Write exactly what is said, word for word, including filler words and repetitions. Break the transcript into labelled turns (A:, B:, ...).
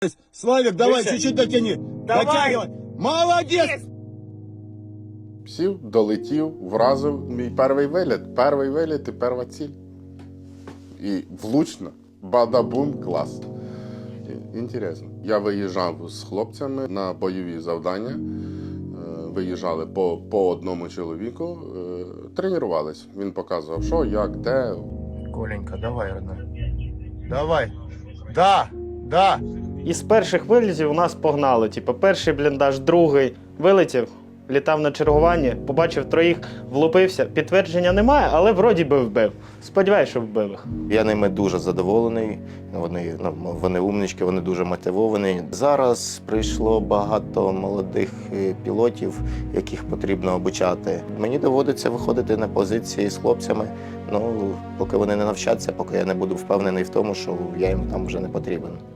A: Славик, давай,
B: Выше.
A: чуть-чуть дотяни.
B: Давай.
A: Дотягивай. Молодец!
C: Сів, долетів, вразив мій перший виліт. Перший виліт і перша ціль. І влучно. Бадабум, клас. І- Інтересно. Я виїжджав з хлопцями на бойові завдання. Е, Виїжджали по, по одному чоловіку. Е, Тренувались. Він показував, що, як, де.
B: Коленька, давай, родной. Давай. Да, да.
D: І з перших вилітів у нас погнали. Типу, перший бліндаж, другий вилетів, літав на чергуванні, побачив троїх, влупився. Підтвердження немає, але вроді би вбив. Сподіваюсь, що вбив їх.
E: Я ними дуже задоволений. Вони, ну, вони умнички, вони дуже мотивовані. Зараз прийшло багато молодих е, пілотів, яких потрібно обучати. Мені доводиться виходити на позиції з хлопцями. Ну, поки вони не навчаться, поки я не буду впевнений в тому, що я їм там вже не потрібен.